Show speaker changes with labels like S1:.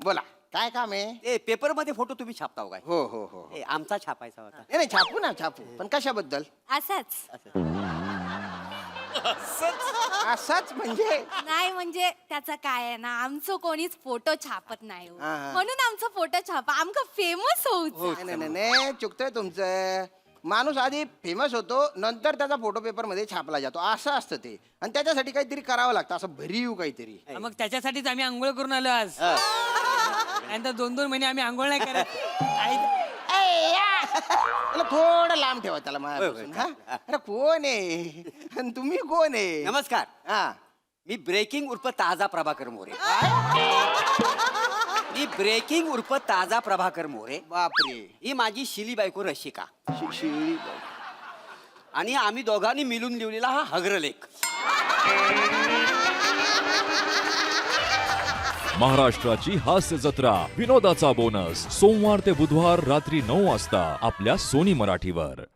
S1: बोला काय काम आहे?
S2: ए पेपर मध्ये फोटो तुम्ही छापताव काय?
S1: हो हो हो
S2: ए आमचा छापायचा होता.
S1: नाही नाही, छापू ना छापू, पण कशाबद्दल?
S3: असंच
S1: असाच म्हणजे
S3: नाही म्हणजे त्याचं काय आहे ना, आमचं कोणीच फोटो छापत नाही हो.
S1: हा, हा.
S3: म्हणून आमचा फोटो छापा, आमका फेमस होऊच.
S1: नाही नाही नाही, चुकतंय तुमचं. माणूस आधी फेमस होतो, नंतर त्याचा फोटो पेपर मध्ये छापला जातो, असं असतं ते. आणि त्याच्यासाठी काहीतरी करावं लागतं, असं भरीव काहीतरी.
S4: मग त्याच्यासाठीच आम्ही आंघोळ करून आलो आज. नंतर 2-2 महिने आम्ही आंघोळ नाही करत.
S1: त्याला थोडं लांब ठेवा त्याला माझ्यापासून. हा? अरे कोण आहे आणि तुम्ही कोण आहे?
S2: नमस्कार,
S1: हा
S2: मी ब्रेकिंग उर्फ ताजा प्रभाकर मोरे. मी ब्रेकिंग उर्फ ताजा प्रभाकर मोरे.
S1: बापरे.
S2: ही माझी शिली बायको रशिका
S1: शिळी.
S2: आणि आम्ही दोघांनी मिळून लिहिलेला हा हग्रलेख.
S5: महाराष्ट्राची हास्य जत्रा विनोदाचा बोनस सोमवार ते बुधवार रात्री 9 वाजता आपल्या सोनी मराठीवर.